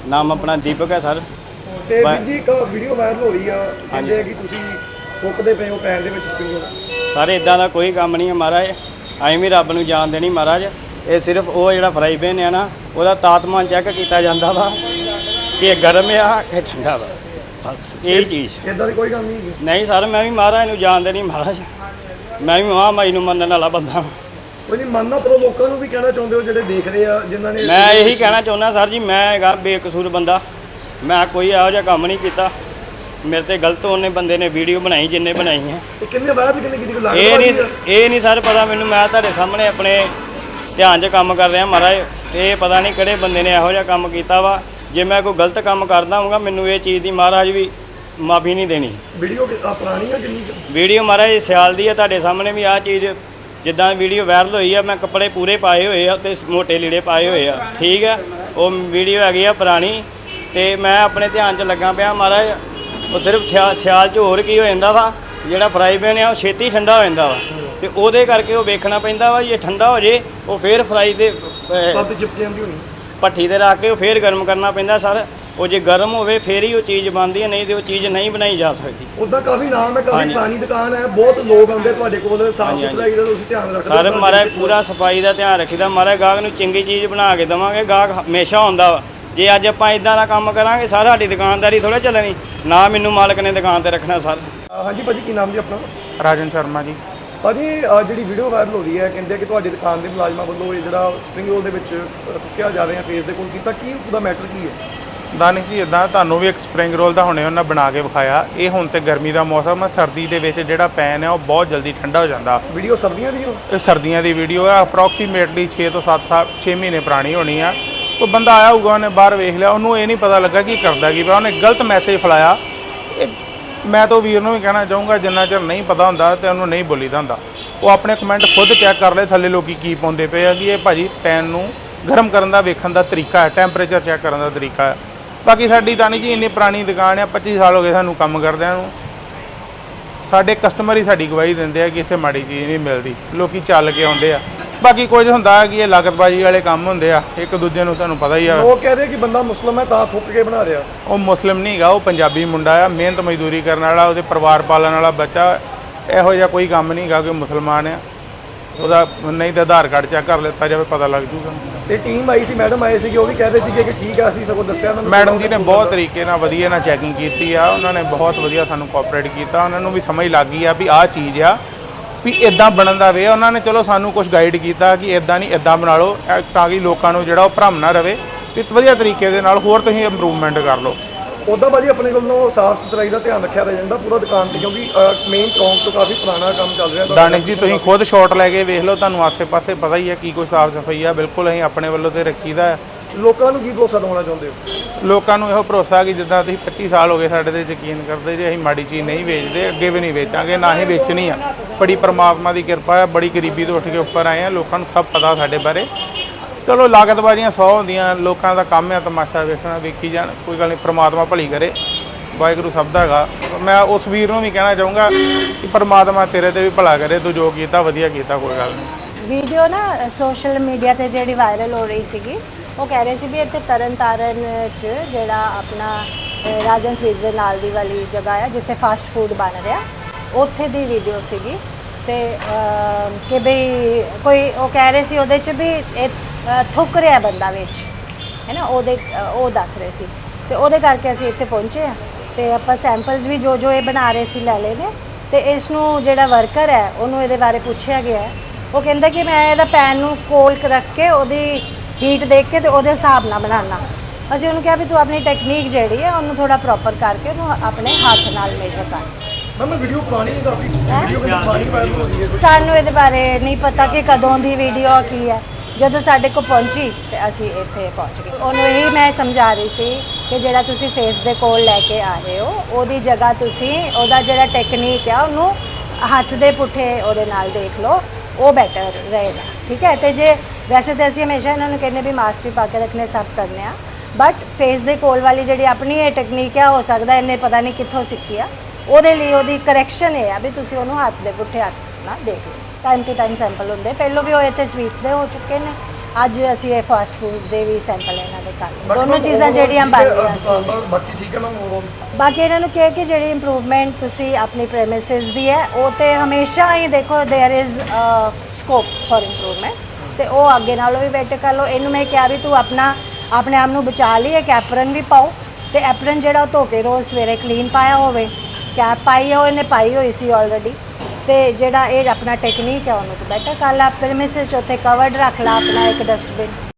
ਨਾਮ ਆਪਣਾ ਦੀਪਕ ਹੈ ਸਰ। ਤੇ ਵੀਰ ਜੀ ਇੱਕ ਵੀਡੀਓ ਵਾਇਰਲ ਹੋ ਰਹੀ ਆ, ਕਹਿੰਦੇ ਕਿ ਤੁਸੀਂ ਫੁੱਕਦੇ ਪਏ ਹੋ ਪੈਨ ਦੇ ਵਿੱਚ ਸਪਰਿੰਗ ਰੋਲ। ਸਰ ਇਦਾਂ ਦਾ ਕੋਈ ਕੰਮ ਨਹੀਂ ਹੈ ਮਹਾਰਾਜ, ਅਸੀਂ ਵੀ ਰੱਬ ਨੂੰ ਜਾਣਦੇ ਨਹੀਂ ਮਹਾਰਾਜ। ਇਹ ਸਿਰਫ ਉਹ ਜਿਹੜਾ ਫਰਾਈ ਪੈਨ ਹੈ ਨਾ, ਉਹਦਾ ਤਾਪਮਾਨ ਚੈੱਕ ਕੀਤਾ ਜਾਂਦਾ ਵਾ ਕਿ ਇਹ ਗਰਮ ਆ ਕਿ ਠੰਡਾ ਵਾ, ਬਸ ਇਹ ਚੀਜ਼। ਇਦਾਂ ਦੀ ਕੋਈ ਗੱਲ ਨਹੀਂ ਹੈਗੀ। ਨਹੀਂ ਸਰ, ਮੈਂ ਵੀ ਮਹਾਰਾਜ ਨੂੰ ਜਾਣਦੇ ਨਹੀਂ ਮਹਾਰਾਜ, ਮੈਂ ਵੀ ਮਹਾਮਾਈ ਨੂੰ ਮੰਨਣ ਵਾਲਾ ਬੰਦਾ। ਕੋਈ ਨਹੀਂ ਮੰਨਣਾ, ਪਰ ਲੋਕਾਂ ਨੂੰ ਵੀ ਕਹਿਣਾ ਚਾਹੁੰਦੇ ਹੋ ਜਿਹੜੇ ਦੇਖ ਰਹੇ ਆ, ਜਿਨ੍ਹਾਂ ਨੇ। ਮੈਂ ਇਹੀ ਕਹਿਣਾ ਚਾਹੁੰਦਾ ਸਰ ਜੀ, ਮੈਂ ਹੈਗਾ ਬੇਕਸੂਰ ਬੰਦਾ, ਮੈਂ ਕੋਈ ਇਹੋ ਜਿਹਾ ਕੰਮ ਨਹੀਂ ਕੀਤਾ। ਮੇਰੇ ਤੇ ਗਲਤ ਉਹਨੇ ਬੰਦੇ ਨੇ ਵੀਡੀਓ ਬਣਾਈ ਜਿੰਨੇ ਬਣਾਈ ਹੈ। ਕਿੰਨੇ ਬਾਅਦ ਕਿੰਨੇ ਕਿਤੇ ਲੱਗਦਾ ਇਹ ਨਹੀਂ ਸਰ ਪਤਾ ਮੈਨੂੰ, ਮੈਂ ਤੁਹਾਡੇ ਸਾਹਮਣੇ ਆਪਣੇ ਧਿਆਨ 'ਚ ਕੰਮ ਕਰ ਰਿਹਾ ਮਹਾਰਾਜ। ਇਹ ਪਤਾ ਨਹੀਂ ਕਿਹੜੇ ਬੰਦੇ ਨੇ ਇਹੋ ਜਿਹਾ ਕੰਮ ਕੀਤਾ ਵਾ। ਜੇ ਮੈਂ ਕੋਈ ਗਲਤ ਕੰਮ ਕਰਦਾ ਹੋਊਗਾ, ਮੈਨੂੰ ਇਹ ਚੀਜ਼ ਦੀ ਮਹਾਰਾਜ ਵੀ ਮਾਫੀ ਨਹੀਂ ਦੇਣੀ। ਵੀਡੀਓ ਪੁਰਾਣੀ ਆ ਕਿੰਨੀ? ਵੀਡੀਓ ਮਹਾਰਾਜ ਸਿਆਲ ਦੀ ਆ, ਤੁਹਾਡੇ ਸਾਹਮਣੇ ਵੀ ਆਹ ਚੀਜ਼ ਜਿੱਦਾਂ ਵੀਡੀਓ ਵਾਇਰਲ ਹੋਈ ਆ, ਮੈਂ ਕੱਪੜੇ ਪੂਰੇ ਪਾਏ ਹੋਏ ਆ ਤੇ ਮੋਟੇ ਲੀੜੇ ਪਾਏ ਹੋਏ ਆ, ਠੀਕ ਆ। ਉਹ ਵੀਡੀਓ ਹੈਗੀ ਆ ਪੁਰਾਣੀ, ਤੇ ਮੈਂ ਆਪਣੇ ਧਿਆਨ 'ਚ ਲੱਗਾ ਪਿਆ ਮਹਾਰਾਜ। ਉਹ ਸਿਰਫ ਸਿਆਲ 'ਚ ਹੋਰ ਕੀ ਹੋ ਜਾਂਦਾ ਵਾ, ਜਿਹੜਾ ਫਰਾਈ ਪੈਨ ਆ ਉਹ ਛੇਤੀ ਠੰਡਾ ਹੋ ਜਾਂਦਾ ਵਾ, ਤੇ ਉਹਦੇ ਕਰਕੇ ਉਹ ਵੇਖਣਾ ਪੈਂਦਾ ਵਾ। ਜੇ ਠੰਡਾ ਹੋ ਜੇ ਉਹ ਫੇਰ ਫਰਾਈ ਦੇ ਭੱਠੀ 'ਤੇ ਰੱਖ ਕੇ ਉਹ ਫੇਰ ਗਰਮ ਕਰਨਾ ਪੈਂਦਾ ਸਰ। ਉਹ ਜੇ ਗਰਮ ਹੋਵੇ ਫੇਰ ਹੀ ਉਹ ਚੀਜ਼ ਬਣਦੀ ਹੈ, ਨਹੀਂ ਤੇ ਉਹ ਚੀਜ਼ ਨਹੀਂ ਬਣਾਈ ਜਾ ਸਕਦੀ। ਉਹਦਾ ਕਾਫੀ ਨਾਮ ਹੈ, ਕਾਫੀ ਪੁਰਾਣੀ ਦੁਕਾਨ ਹੈ, ਬਹੁਤ ਲੋਕ ਆਉਂਦੇ ਤੁਹਾਡੇ ਕੋਲ। ਸਾਫ ਸੁਥਰਾਈ ਦਾ ਤੁਸੀਂ ਧਿਆਨ ਰੱਖਦੇ ਸਰ ਮਹਾਰਾਜ, ਪੂਰਾ ਸਫਾਈ ਦਾ ਧਿਆਨ ਰੱਖੀਦਾ ਮਹਾਰਾਜ। ਗਾਹਕ ਨੂੰ ਚੰਗੀ ਚੀਜ਼ ਬਣਾ ਕੇ ਦੇਵਾਂਗੇ, ਗਾਹਕ ਹਮੇਸ਼ਾ ਆਉਂਦਾ ਵਾ। ਜੇ ਅੱਜ ਆਪਾਂ ਇਦਾਂ ਦਾ ਕੰਮ ਕਰਾਂਗੇ ਸਰ, ਸਾਡੀ ਦੁਕਾਨਦਾਰੀ ਥੋੜ੍ਹਾ ਚੱਲਣੀ ਨਾ। ਮੈਨੂੰ ਮਾਲਕ ਨੇ ਦੁਕਾਨ ਤੇ ਰੱਖਣਾ ਸਰ। ਹਾਂਜੀ ਭਾਜੀ, ਕੀ ਨਾਮ ਜੀ ਆਪਣਾ? ਰਾਜਨ ਸ਼ਰਮਾ ਜੀ। ਭਾਜੀ ਜਿਹੜੀ ਵੀਡੀਓ ਵਾਇਰਲ ਹੋ ਰਹੀ ਹੈ, ਕਹਿੰਦੇ ਕਿ ਤੁਹਾਡੀ ਦੁਕਾਨ ਦੇ ਮੁਲਾਜ਼ਮਾਂ ਵੱਲੋਂ ਇਹ ਜਿਹੜਾ ਸਪਰਿੰਗ ਰੋਲ ਦੇ ਵਿੱਚ ਥੁੱਕਿਆ ਜਾ ਰਿਹਾ ਫੇਸ ਦੇ ਕੋਲ ਕੀਤਾ, ਕੀ ਉਹਦਾ ਮੈਟਰ ਕੀ ਹੈ? ਦਾਨਿਕ ਜੀ, ਇੱਦਾਂ ਤੁਹਾਨੂੰ ਵੀ ਇੱਕ ਸਪਰਿੰਗ ਰੋਲ ਦਾ ਹੁਣੇ ਉਹਨਾਂ ਬਣਾ ਕੇ ਵਿਖਾਇਆ। ਇਹ ਹੁਣ ਤੇ ਗਰਮੀ ਦਾ ਮੌਸਮ ਹੈ, ਸਰਦੀ ਦੇ ਵਿੱਚ ਜਿਹੜਾ ਪੈਨ ਹੈ ਉਹ ਬਹੁਤ ਜਲਦੀ ਠੰਡਾ ਹੋ ਜਾਂਦਾ। ਵੀਡੀਓ ਸਰਦੀਆਂ ਦੀ? ਇਹ ਸਰਦੀਆਂ ਦੀ ਵੀਡੀਓ ਹੈ, ਅਪਰੋਕਸੀਮੇਟਲੀ 6 ਤੋਂ 6 ਮਹੀਨੇ ਪੁਰਾਣੀ ਹੋਣੀ ਆ। ਕੋਈ ਬੰਦਾ ਆਇਆ ਹੋਊਗਾ, ਉਹਨੇ ਬਾਹਰ ਵੇਖ ਲਿਆ, ਉਹਨੂੰ ਇਹ ਨਹੀਂ ਪਤਾ ਲੱਗਾ ਕਿ ਕਰਦਾ ਕੀ ਪਿਆ, ਉਹਨੇ ਗਲਤ ਮੈਸੇਜ ਫੈਲਾਇਆ। ਮੈਂ ਤਾਂ ਵੀਰ ਨੂੰ ਵੀ ਕਹਿਣਾ ਚਾਹੂੰਗਾ, ਜਿੰਨਾ ਚਿਰ ਨਹੀਂ ਪਤਾ ਹੁੰਦਾ ਤੇ ਉਹਨੂੰ ਨਹੀਂ ਬੋਲੀਦਾ ਹੁੰਦਾ। ਉਹ ਆਪਣੇ ਕਮੈਂਟ ਖੁਦ ਚੈੱਕ ਕਰ ਲਏ ਥੱਲੇ ਲੋਕੀ ਕੀ ਪਾਉਂਦੇ ਪਏ ਆ, ਕਿ ਇਹ ਭਾਜੀ ਪੈਨ ਨੂੰ ਗਰਮ ਕਰਨ ਦਾ ਵੇਖਣ ਦਾ ਤਰੀਕਾ ਹੈ, ਟੈਂਪਰੇਚਰ ਚੈੱਕ ਕਰਨ ਦਾ ਤਰੀਕਾ ਹੈ। ਬਾਕੀ ਸਾਡੀ ਤਾਂ ਨਹੀਂ ਜੀ ਇੰਨੀ ਪੁਰਾਣੀ ਦੁਕਾਨ ਆ, 25 ਸਾਲ ਹੋ ਗਏ ਸਾਨੂੰ ਕੰਮ ਕਰਦਿਆਂ ਨੂੰ। ਸਾਡੇ ਕਸਟਮਰ ਹੀ ਸਾਡੀ ਗਵਾਹੀ ਦਿੰਦੇ ਆ ਕਿ ਇੱਥੇ ਮਾੜੀ ਚੀਜ਼ ਨਹੀਂ ਮਿਲਦੀ, ਲੋਕੀ ਚੱਲ ਕੇ ਆਉਂਦੇ ਆ। ਬਾਕੀ ਕੁਝ ਹੁੰਦਾ ਹੈ ਕਿ ਇਹ ਲਾਗਤਬਾਜ਼ੀ ਵਾਲੇ ਕੰਮ ਹੁੰਦੇ ਆ, ਇੱਕ ਦੂਜੇ ਨੂੰ ਤੁਹਾਨੂੰ ਪਤਾ ਹੀ ਆ। ਉਹ ਕਹਦੇ ਕਿ ਬੰਦਾ ਮੁਸਲਮ ਹੈ ਤਾਂ ਥੁੱਕ ਕੇ ਬਣਾ ਰਿਹਾ। ਉਹ ਮੁਸਲਿਮ ਨਹੀਂ ਹੈਗਾ, ਉਹ ਪੰਜਾਬੀ ਮੁੰਡਾ ਆ, ਮਿਹਨਤ ਮਜ਼ਦੂਰੀ ਕਰਨ ਵਾਲਾ, ਉਹਦੇ ਪਰਿਵਾਰ ਪਾਲਣ ਵਾਲਾ ਬੱਚਾ। ਇਹੋ ਜਿਹਾ ਕੋਈ ਕੰਮ ਨਹੀਂ ਹੈਗਾ ਕਿ ਮੁਸਲਮਾਨ ਆ। ਉਹਦਾ ਨਹੀਂ ਤਾਂ ਆਧਾਰ ਕਾਰਡ ਚੈੱਕ ਕਰ ਲਿੱਤਾ ਜਾਵੇ, ਪਤਾ ਲੱਗ ਜੂਗਾ। ਤੇ ਟੀਮ ਆਈ ਸੀ, ਮੈਡਮ ਆਏ ਸੀ, ਉਹ ਵੀ ਕਹਿ ਰਹੇ ਸੀ ਕਿ ਠੀਕ ਆ, ਅਸੀਂ ਸਗੋਂ ਦੱਸਿਆ ਉਹਨਾਂ ਨੂੰ। ਮੈਡਮ ਜੀ ਨੇ ਬਹੁਤ ਤਰੀਕੇ ਨਾਲ ਵਧੀਆ ਨਾਲ ਚੈਕਿੰਗ ਕੀਤੀ ਆ, ਉਹਨਾਂ ਨੇ ਬਹੁਤ ਵਧੀਆ ਸਾਨੂੰ ਕੋਆਪਰੇਟ ਕੀਤਾ। ਉਹਨਾਂ ਨੂੰ ਵੀ ਸਮਝ ਲੱਗ ਗਈ ਆ ਵੀ ਆਹ ਚੀਜ਼ ਆ ਵੀ ਇਦਾਂ ਬਣਨ ਦਾ ਵੇ। ਉਹਨਾਂ ਨੇ ਚਲੋ ਸਾਨੂੰ ਕੁਝ ਗਾਈਡ ਕੀਤਾ ਕਿ ਇਦਾਂ ਨਹੀਂ, ਇਦਾਂ ਬਣਾ ਲਓ, ਤਾਂ ਕਿ ਲੋਕਾਂ ਨੂੰ ਜਿਹੜਾ ਉਹ ਭਰਮ ਨਾ ਰਵੇ ਵੀ ਵਧੀਆ ਤਰੀਕੇ ਦੇ ਨਾਲ ਹੋਰ ਤੁਸੀਂ ਇੰਪਰੂਵਮੈਂਟ ਕਰ ਲਓ। ਉੱਦਾਂ ਭਾਜੀ ਆਪਣੇ ਵੱਲੋਂ ਸਾਫ ਸੁਥਰਾਈ ਦਾ ਧਿਆਨ ਰੱਖਿਆ ਜਾਂਦਾ ਪੂਰਾ ਦੁਕਾਨ ਤੇ, ਕਿਉਂਕਿ ਮੇਨ ਚੌਂਕ ਤੋਂ ਕਾਫੀ ਪੁਰਾਣਾ ਕੰਮ ਚੱਲ ਰਿਹਾ। ਦਾਨਿਕ ਜੀ, ਤੁਸੀਂ ਖੁਦ ਸ਼ਾਟ ਲੈ ਕੇ ਵੇਖ ਲਓ, ਤੁਹਾਨੂੰ ਆਸੇ-ਪਾਸੇ ਪਤਾ ਹੀ ਹੈ ਕੀ ਕੋਈ ਸਾਫ ਸਫਾਈ ਆ। ਬਿਲਕੁਲ ਅਸੀਂ ਆਪਣੇ ਵੱਲੋਂ ਤੇ ਰੱਖੀਦਾ ਹੈ। ਲੋਕਾਂ ਨੂੰ ਕੀ ਭਰੋਸਾ ਦਿਵਾਉਣਾ ਚਾਹੁੰਦੇ ਹੋ? ਲੋਕਾਂ ਨੂੰ ਇਹੋ ਭਰੋਸਾ ਕਿ ਜਿੱਦਾਂ ਤੁਸੀਂ 25 ਸਾਲ ਹੋ ਗਏ ਸਾਡੇ ਤੇ ਯਕੀਨ ਕਰਦੇ ਜੇ, ਅਸੀਂ ਮਾੜੀ ਚੀਜ਼ ਨਹੀਂ ਵੇਚਦੇ, ਅੱਗੇ ਵੀ ਨਹੀਂ ਵੇਚਾਂਗੇ, ਨਾ ਹੀ ਵੇਚਣੀ ਆ। ਬੜੀ ਪਰਮਾਤਮਾ ਦੀ ਕਿਰਪਾ ਹੈ, ਬੜੀ ਗਰੀਬੀ ਤੋਂ ਉੱਠ ਕੇ ਉੱਪਰ ਆਏ ਆ। ਲੋਕਾਂ ਨੂੰ ਸਭ ਪਤਾ ਸਾਡੇ ਬਾਰੇ। ਚਲੋ ਲਾਗਤਬਾਜ਼ੀਆਂ 100 ਹੁੰਦੀਆਂ, ਲੋਕਾਂ ਦਾ ਕੰਮ ਹੈ ਤਮਾਸ਼ਾ ਵੇਖਣਾ, ਵੇਖੀ ਜਾਣ, ਕੋਈ ਗੱਲ ਨਹੀਂ। ਪਰਮਾਤਮਾ ਭਲੀ ਕਰੇ, ਵਾਹਿਗੁਰੂ ਸਭ ਦਾ ਹੈਗਾ। ਮੈਂ ਉਸ ਵੀਰ ਨੂੰ ਵੀ ਕਹਿਣਾ ਚਾਹੂੰਗਾ ਕਿ ਪਰਮਾਤਮਾ ਤੇਰੇ ਤੇ ਵੀ ਭਲਾ ਕਰੇ, ਤੂੰ ਜੋ ਕੀਤਾ ਵਧੀਆ ਕੀਤਾ, ਕੋਈ ਗੱਲ ਨਹੀਂ। ਵੀਡੀਓ ਨਾ ਸੋਸ਼ਲ ਮੀਡੀਆ ਤੇ ਜਿਹੜੀ ਵਾਇਰਲ ਹੋ ਰਹੀ ਸੀਗੀ, ਉਹ ਕਹਿ ਰਹੇ ਸੀ ਵੀ ਇੱਥੇ ਤਰਨਤਾਰਨ 'ਚ ਜਿਹੜਾ ਆਪਣਾ ਰਾਜਨ ਸਵੀਟਸ ਦੇ ਨਾਲ ਦੀ ਵਾਲੀ ਜਗ੍ਹਾ ਹੈ ਜਿੱਥੇ ਫਾਸਟ ਫੂਡ ਬਣ ਰਿਹਾ, ਉੱਥੇ ਦੀ ਵੀਡੀਓ ਸੀਗੀ। ਤੇ ਕਿ ਬਈ ਕੋਈ ਉਹ ਕਹਿ ਰਹੇ ਸੀ ਉਹਦੇ 'ਚ ਵੀ ਥੁੱਕ ਰਿਹਾ ਬੰਦਾ ਵਿੱਚ, ਹੈ ਨਾ, ਉਹ ਦੱਸ ਰਹੇ ਸੀ। ਤੇ ਉਹਦੇ ਕਰਕੇ ਅਸੀਂ ਇੱਥੇ ਪਹੁੰਚੇ ਹਾਂ, ਤੇ ਆਪਾਂ ਸੈਂਪਲਸ ਵੀ ਜੋ ਇਹ ਬਣਾ ਰਹੇ ਸੀ ਲੈ ਲਏ ਨੇ। ਤੇ ਇਸ ਨੂੰ ਜਿਹੜਾ ਵਰਕਰ ਹੈ ਉਹਨੂੰ ਇਹਦੇ ਬਾਰੇ ਪੁੱਛਿਆ ਗਿਆ ਹੈ। ਉਹ ਕਹਿੰਦਾ ਕਿ ਮੈਂ ਇਹਦਾ ਪੈਨ ਨੂੰ ਕੋਲ ਰੱਖ ਕੇ ਉਹਦੀ ਹੀਟ ਦੇਖ ਕੇ ਤੇ ਉਹਦੇ ਹਿਸਾਬ ਨਾਲ ਬਣਾਉਣਾ। ਅਸੀਂ ਉਹਨੂੰ ਕਿਹਾ ਵੀ ਤੂੰ ਆਪਣੀ ਟੈਕਨੀਕ ਜਿਹੜੀ ਹੈ ਉਹਨੂੰ ਥੋੜਾ ਪ੍ਰੋਪਰ ਕਰਕੇ ਉਹਨੂੰ ਆਪਣੇ ਹੱਥ ਨਾਲ ਮੇਜਰ ਕਰ। ਮੈਂ ਵੀਡੀਓ ਪੁਰਾਣੀ ਹੈ ਕਾਫੀ, ਵੀਡੀਓ ਪੁਰਾਣੀ ਵਾਇਰਲ ਹੋ ਰਹੀ ਹੈ। ਸਾਨੂੰ ਇਹਦੇ ਬਾਰੇ ਨਹੀਂ ਪਤਾ ਕਿ ਕਦੋਂ ਦੀ ਵੀਡੀਓ ਕੀ ਹੈ। ਜਦੋਂ ਸਾਡੇ ਕੋਲ ਪਹੁੰਚੀ ਤੇ ਅਸੀਂ ਇੱਥੇ ਪਹੁੰਚ ਗਏ। ਉਹਨੂੰ ਇਹੀ ਮੈਂ ਸਮਝਾ ਰਹੀ ਸੀ ਕਿ ਜਿਹੜਾ ਤੁਸੀਂ ਫੇਸ ਦੇ ਕੋਲ ਲੈ ਕੇ ਆ ਰਹੇ ਹੋ, ਉਹਦੀ ਜਗ੍ਹਾ ਤੁਸੀਂ ਉਹਦਾ ਜਿਹੜਾ ਟੈਕਨੀਕ ਆ ਉਹਨੂੰ ਹੱਥ ਦੇ ਪੁੱਠੇ ਉਹਦੇ ਨਾਲ ਦੇਖ ਲਓ, ਉਹ ਬੈਟਰ ਰਹੇਗਾ, ਠੀਕ ਹੈ। ਤੇ ਜੇ ਵੈਸੇ ਤਾਂ ਅਸੀਂ ਹਮੇਸ਼ਾ ਇਹਨਾਂ ਨੂੰ ਕਹਿੰਦੇ ਵੀ ਮਾਸਕ ਵੀ ਪਾ ਕੇ ਰੱਖਣੇ, ਸਭ ਕਰਨੇ ਆ, ਬਟ ਫੇਸ ਦੇ ਕੋਲ ਵਾਲੀ ਜਿਹੜੀ ਆਪਣੀ ਇਹ ਟੈਕਨੀਕ ਆ, ਹੋ ਸਕਦਾ ਇਹਨੇ ਪਤਾ ਨਹੀਂ ਕਿੱਥੋਂ ਸਿੱਖੀ ਆ, ਉਹਦੇ ਲਈ ਉਹਦੀ ਕਰੈਕਸ਼ਨ ਇਹ ਆ ਵੀ ਤੁਸੀਂ ਉਹਨੂੰ ਹੱਥ ਦੇ ਪੁੱਠੇ ਹੱਥ ਨਾਲ ਦੇਖ ਲਓ। ਟਾਈਮ ਟੂ ਟਾਈਮ ਸੈਂਪਲ ਹੁੰਦੇ, ਪਹਿਲੋਂ ਵੀ ਉਹ ਇੱਥੇ ਸਵੀਟਸ ਦੇ ਹੋ ਚੁੱਕੇ ਨੇ, ਅੱਜ ਅਸੀਂ ਇਹ ਫਾਸਟ ਫੂਡ ਦੇ ਵੀ ਸੈਂਪਲ ਇਹਨਾਂ ਦੇ ਕਰ ਲਏ ਦੋਨੋਂ ਚੀਜ਼ਾਂ ਜਿਹੜੀਆਂ ਬਣ ਗਈਆਂ ਸੀ ਬਾਕੀ ਠੀਕ ਹੈ ਨਾ ਬਾਕੀ ਇਹਨਾਂ ਨੂੰ ਕਿਹਾ ਕਿ ਜਿਹੜੀ ਇੰਪਰੂਵਮੈਂਟ ਤੁਸੀਂ ਆਪਣੀ ਪ੍ਰੈਮਿਸਿਸ ਦੀ ਹੈ ਉਹ ਤੇ ਹਮੇਸ਼ਾ ਹੀ ਦੇਖੋ there is scope for improvement ਤੇ ਉਹ ਅੱਗੇ ਨਾਲੋਂ ਵੀ ਬੈਟਰ ਕਰ ਲਓ ਇਹਨੂੰ ਮੈਂ ਕਿਹਾ ਵੀ ਤੂੰ ਆਪਣੇ ਆਪ ਨੂੰ ਬਚਾ ਲਈ ਇੱਕ ਐਪਰਨ ਵੀ ਪਾਓ ਤੇ ਐਪਰਨ ਜਿਹੜਾ ਉਹ ਧੋ ਕੇ ਰੋਜ਼ ਸਵੇਰੇ ਕਲੀਨ ਪਾਇਆ ਹੋਵੇ ਕੈਪ ਪਾਈ ਹੈ ਉਹ ਇਹਨੇ ਪਾਈ ਹੋਈ ਸੀ ਆਲਰੇਡੀ ਤੇ ਜਿਹੜਾ ਇਹ ਆਪਣਾ ਟੈਕਨੀਕ ਹੈ ਉਹਨੂੰ ਤੂੰ ਬੈਟਰ ਕਰ ਲਾ ਪ੍ਰੈਮਿਸਿਸ ਉੱਥੇ ਕਵਰਡ ਰੱਖ ਲਾ ਆਪਣਾ ਇੱਕ ਡਸਟਬਿਨ